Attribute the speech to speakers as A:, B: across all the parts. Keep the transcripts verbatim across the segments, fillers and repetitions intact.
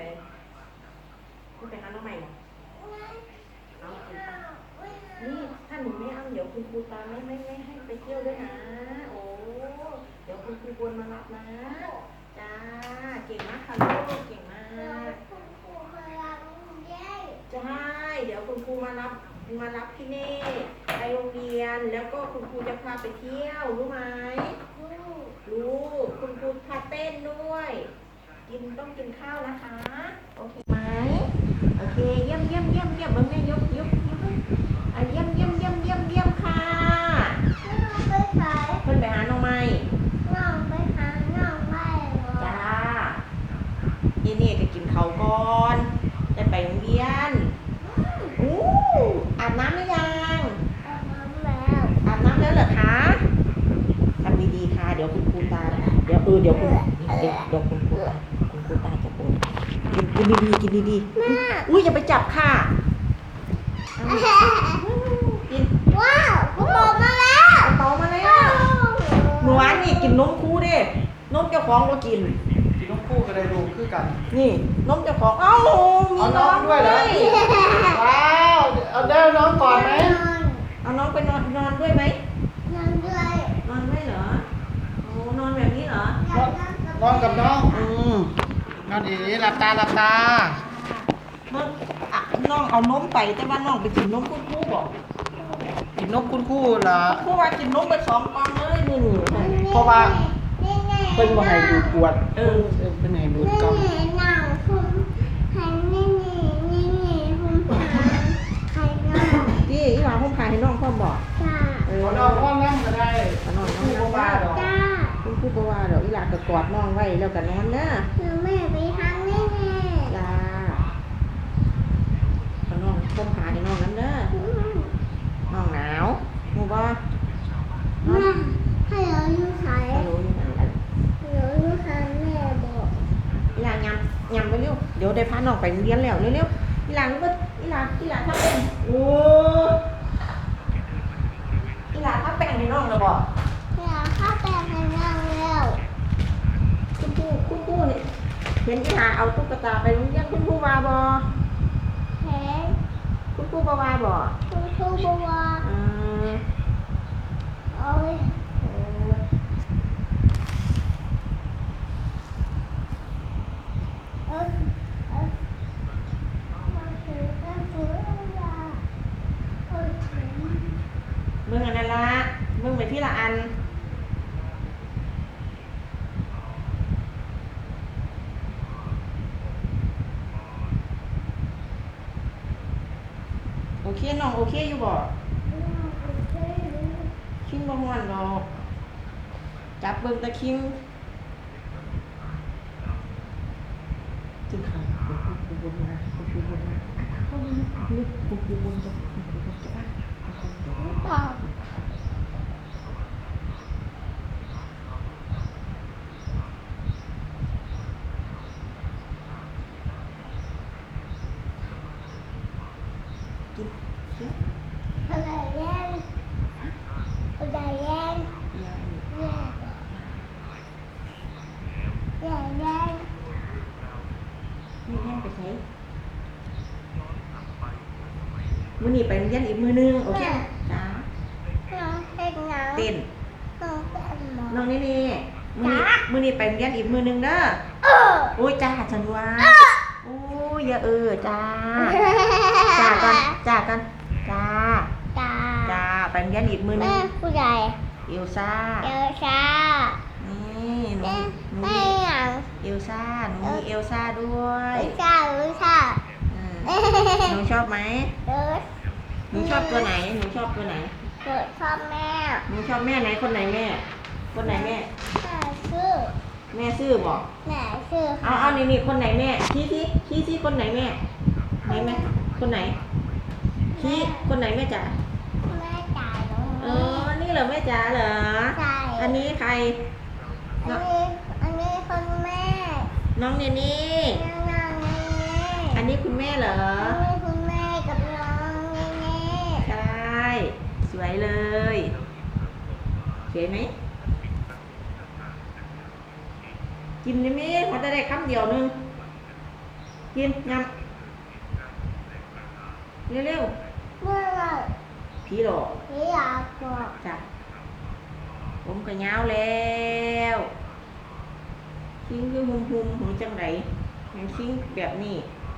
A: ส่คุณไปหาน้องใหม่เหรอเอาคุณป้านี่ถ้าหนูไม่เอาเดี๋ยวคุณครูตามไม่ไม่ไม่ให้ไปเที่ยวด้วยนะโอ้เดี๋ยวคุณครูบนมารับนะจ้าเก่งมากค่ะลูกเก่งมากใช่เดี๋ยวคุณครูมารับมารับพี่เน่ไปโรงเรียนแล้วก็คุณครูจะพาไปเที่ยวรู้ไหมรู้คุณครูพาเต้นด้วยกินต้องกินข้าวนะคะโอเคไหมโอเคเยี่ยมเยี่ยมเยี่ยมเยี่ยมเบิ้งแม่ยกยกยกอ่ะเยี่ยมเยี่ยมเยี่ยมเยี่ยมเยี่ยมค่ะเพิ่นไปหาน้องไม้จ้าเย็นนี่จะกินข้าวก่อนจะไปโรงเรียนอู้อาบน้ำหรือยังอาบน้ำแล้วเหรอคะทำดีๆค่ะเดี๋ยวคุณครูตาเดี๋ยวเออเดี๋ยวคุณเดี๋ยวเดี๋ยวคุณครูตาคุณครูตาจะโอนกินกินดีๆกินดีๆอุ้ยอย่าไปจับค่ะกิน
B: ว้าวกูบอกมาแล้ว
A: เตามาแล้วหนูอันนี่กินนมคู่ดินมเจ้าของก็กิน
C: กินนมคู่ก็ได้ดูคือกัน
A: นี่นมเจ้าของเอ้ามีน้องด้วยเหรอ
C: ว้าวเอาได้น้องก่อนไหม
A: เอาน้องไปนอนนอนด้วยไหม
B: นอนด้วย
A: นอนด้วยเหรอโอ้นอนแบบนี้เหรอน
C: อนกับน้องอืมนอนดีหลับตาหลับตา
A: น้องอ่ะน้องเอานมไปแต่ว่าน้องไปกินนมคู่คู่บอก
C: กินนมคู่คู่เหรอ
A: คู่ว่ากินนมไปสองกล่องเลยนี่
C: เพราะว่าเพิ่นบ่ให้ดูดปวด
A: เออ
C: เพิ่นให้ดูดกล่อง
B: หนังคุณหันนี่นี่นี่คุณพาใครน้อง
A: ที่อีหลาผมพาให้น้องพ่อบอก
B: จ้า
A: เออ
C: น้องพ่อนั่งก็ได้
A: นอนน้องนั่ง
C: ได้
B: จ้า
A: คุณครูบอกว่าเดี๋ยวอีหลาก็กอดน้องไว้แล้วก็นอนนะ
B: คือแม่ไปทางนี่แม่
A: จ้าน้องผมพาให้น้องนั้นเด้อน้องหนาวมูบ่
B: แม่ให้เราอยู่ใส่
A: ไม่รู้อยู่ไหน
B: เราอยู่ใส่แม่บอก
A: อีหลายำยำไปเร็วเดี๋ยวได้พาน้องไปเรียนแล้วเร็วๆอีหลาก็อีหลาอีหลาทำเป็นโอ้อีหลาทำเป็นให้น้องแล้วบ่
B: อยากเข้าไปในนั่งแล้ว
A: คุณครูคุณครูเนี่ยเห็นอีหลาเอาตุ๊กตาไปโรงเรียนคุณครูว่าบ่
B: เห็น
A: คุณครูบ่ว่าบ่
B: คุณครูบอกว่า
A: อืม
B: โอ้ย
A: เออ
B: เออเออมาถือกันถืออะไรโอ้ย
A: มึงอันนั้นละมึงไปที่ละอันโอเคน้องโอเคอยู่บ่คิงบ่ม่วนดอกจับเบิ่งตะคิงจึงค่ะคุณครูบนมาคุณครูบนมาเข้ามาลึกคุณครูบนจะคุณครูบนจะอ่ะ
B: เปล่า
A: กินกิน
B: อะไรแย่อะไรแย่
A: ยาย
B: แย่แย่แย่
A: นี่แม่ไปใช้มื้อนี้ไปโรงเรียนอีกมื้อนึงโอเคจ้า
B: น้องเต้นน้อง
A: เต้น
B: น้องเต้นหมอ
A: น้องนี่นี่มื้อนี้มื้อนี้ไปโรงเรียนอีกมื้อนึงเด้อโอ้ยจ้าจันว่าโอ้ยอย่าเออจ้าจ้ากันจ้ากันจ้า
B: ตา
A: จ้าไปโรงเรียนอีกมื้อนึง
B: แม่ผู้ใหญ่
A: เอลซ่า
B: เอลซ่า
A: นี่หนูหนู
B: แม่ยัง
A: เอลซ่าหนูมีเอลซ่าด้วย
B: เอลซ่าเอลซ่า
A: หนูชอบไหม
B: เออ
A: หนูชอบตัวไหนหนูชอบตัวไหน
B: เกิดชอบแม่
A: หนูชอบแม่ไหนคนไหนแม่คนไหนแม่
B: แม่ชื่อ
A: แม่ซื่อบอก
B: แม่ชื่อ
A: เอาเอานี่นี่คนไหนแม่ชี้ชี้ชี้ชี้คนไหนแม่ไหนแม่คนไหนชี้คนไหนแม่จ๋า
B: แม่จ๋าหนู
A: เออนี่เหรอแม่จ๋าเหรอ
B: ใช่
A: อันนี้ใคร
B: อันนี้อันนี้คนแม่
A: น้องเนนี่
B: น้องเนนี่
A: อันนี้คุณแม่เหรอ
B: อันนี้คุณแม่กับน้องเนนี่
A: ใช่สวยเลยสวยไหมกินได้ไหมเขาจะได้คำเดียวนึงกินยำเร็ว
B: เมื่อไหร่
A: ๆผีหลอก
B: พี่อยากบอก
A: จ้ะผมก็ยาวแล้วคิงคือหุ่มหุ่มหุ่มจังไรยังคิงแบบนี้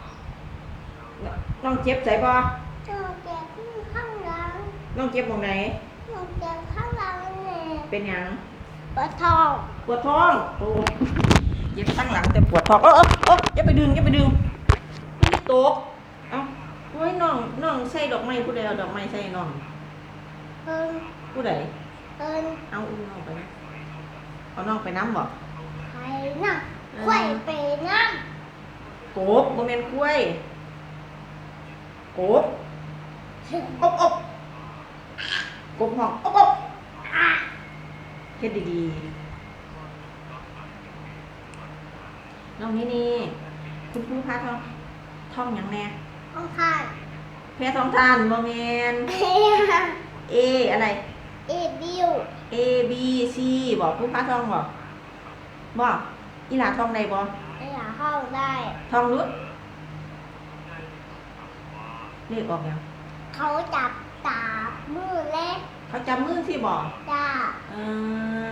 A: น้องเจ็บใจบ่
B: เจ้าแก่ข้างหลัง
A: น้องเจ็บตรงไหน
B: น้องแก่ข้างหลังเนี่ย
A: เป็นหยัง
B: ปะทอง
A: ปวดท้องโอ้เจ็บตั้งหลังแต่ปวดท้องเออเออเอออย่าไปดึงอย่าไปดึงตกเอ้าโอ้ยน้องน้องใส่ดอกไม้ผู้ใดเอาดอกไม้ใส่น้อง
B: เอิน
A: ผู้ใด
B: เอิน
A: เอาอุ้มน้องไปนะเอาน้องไปน้ำบ่
B: ไข่น่ะไข่ไปน้
A: กบโมเมนกล้วยกบ
B: ำ
A: อบอบกบห้องอบอบเฮ็ดดีๆน้องนี่นี่คุณครูพาท่องท่องหยังแน่
B: ข้างข้าง
A: แพ้ท้องทานโมเมน A อะไร
B: เอ็ดดิว
A: A B C บอกครูพาท่องบอกบอกอีหลาท่องได้บ่
B: ไอ้หลาเข้าได้
A: ท่องรู้เลขออกยัง
B: เขาจับตามือเล็ก
A: เขาจำมือสิบอก
B: จ้า
A: เออ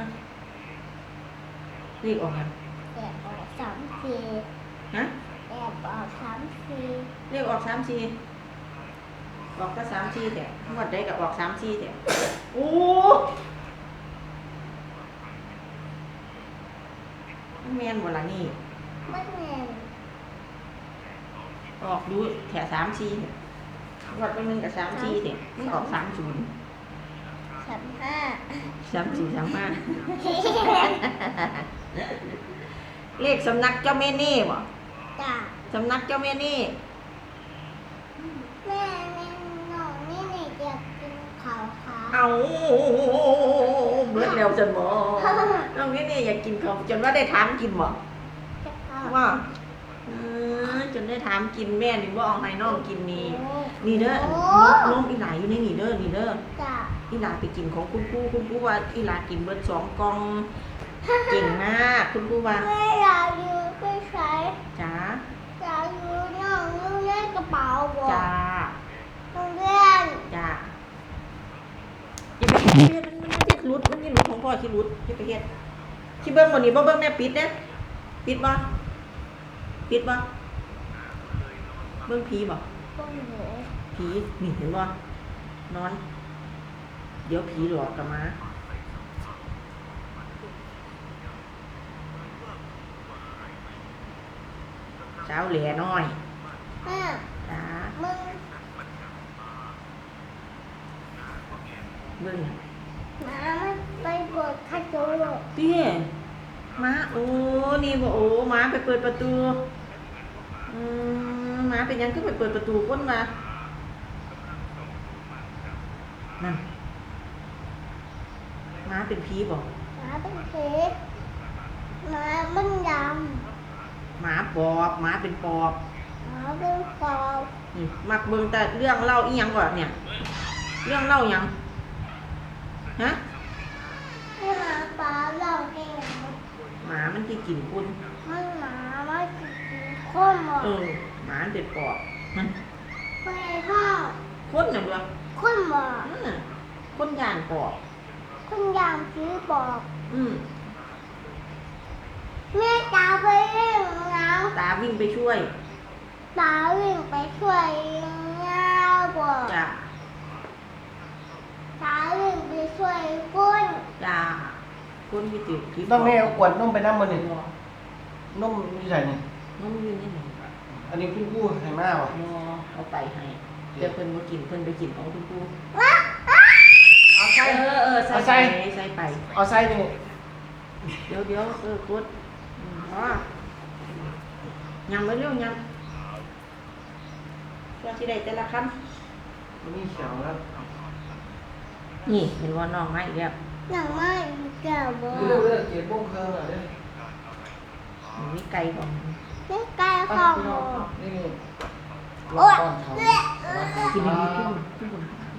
A: เลขออกยัง
B: แอบออกสามสี่
A: ฮะ
B: แอบออกสามสี่
A: เลขออกสามสี่ออกก็สามสี่แต่หมดได้กับออกสามสี่แต่โอ้แมนหมดละนี่
B: ไม่แน่น
A: ออกดูแถวสามสี่เนี่ยวัดไปมึงกับสามสี่เนี่ยมึงออกสามศูนย์
B: สามห้า
A: สามสี่สามห้าเลขสำนักเจ้าแม่เน่บ่
B: จ้า
A: สำนักเจ้าแม่เน่
B: แม่แม่หนูนี่นี่อยากกินข้าวขา
A: เอาเบิดแล้วจนบ่น้องนี่นี่อยากกินเขาวจนว่าได้ถามกินบ่
B: จะเข้า
A: ว่าเออจนได้ถามกินแม่นี่บ่เอาให้น้องกินนี่นี่เด้อน้องอีหลาอยู่ในนี่เด้อนี่เด้อ
B: จ้า
A: อีหลาไปกินของคุณครูคุณครูว่าอีหลากินเบิดสองกล่องเก่งมากคุณครูว่า
B: แม่อยากอยู่ไปใช้
A: จ้า
B: อยากอยู่น้องอยู่ในกระเป๋าบ่
A: จ้า
B: โรงเรียน
A: จ้าอย่าไปเฮ็ดมันมันสิหลุดมันสิหลุดของพ่อสิหลุดอย่าไปเฮ็ดสิเบิ่งบ่นี่บ่เบิ่งแม่ปิดเด้อปิดบ่ปิดบ่เบิ่งผีบ่
B: ต้องเหนื่อย
A: ผีนี่เห็นบ่นอน เดี๋ยวผีหลอกกลับมาเช้าแหล่น้อย
B: แม่
A: จ้า
B: มึง
A: เบิ่ง
B: หมามันไปเปิดคาโจโร่
A: เตี้ยม้าโอ้นี่บ่โอ้ม้าไปเปิดประตูอืมม้าเป็นหยังก็ไปเปิดประตูคนมานั่นม้าเป็นผีบ่
B: หมาเป็นเพชรหมามันด
A: หมาปอบหมาเป็นปอบ
B: ำหมาเป็นฟอง
A: นี่มักเบิ่งแต่เรื่องเล่าอีหยังก่อนเนี่ย เรื่องเล่าหยังฮะ
B: ให้หมาปลาเราเอง
A: หมามันที่กินคุณ
B: มันหมาไม่กินข้นหมด
A: เออหมามันเป็นปอบมัน
B: ไปพ่อ
A: คนน่ะเด้อ
B: ข้นหมด
A: นั่นน่ะคนย่านปอบ
B: คุณยามซื้อบอก
A: อืม
B: แม่ตาไปเล่นน้ำ
A: ตาวิ่งไปช่วย
B: ตาวิ่งไปช่วยเงาบอก
A: จ้า
B: ตาวิ่งไปช่วยคุณ
A: จ้าคนที่ติดคลิป
C: ต้องแม่เอาขวดนมไปน้ำมันนี่นมอยู่ใส่นี่
A: น้องยืนนี่ไหน
C: อันนี้คุณกู้ให้มากว่ะ
A: รอเอาไปให้เดี๋ยวเพิ่นมากินเพิ่นไปกินของคุณครู
B: ว้า
C: เอาใส่
A: เออเออใส่
C: เอา
A: ไป
C: ใส่
A: ใส่ไป
C: เอาใส่นี่
A: เดี๋ยวเดี๋ยวเออกุดอืมอ๋อยังไม่เร็วยังว่าที่ใดแต่ละค
C: มันนี่เขียวแล้ว
A: ำนี่เห็นว่าน้องมาอีกแล้ว
B: หนังไม่แก้วบอ
C: เรื่องเรื่องเกียร์บ้งเครื่องอ่ะเด้
A: มันมีไก่ของ
B: ไม่ใกล้ข้องบอ
C: นี่นี่
B: โอ๊ย
C: ก้อนเขา
B: เละ
A: กินดีๆขึ้นขึ้นบน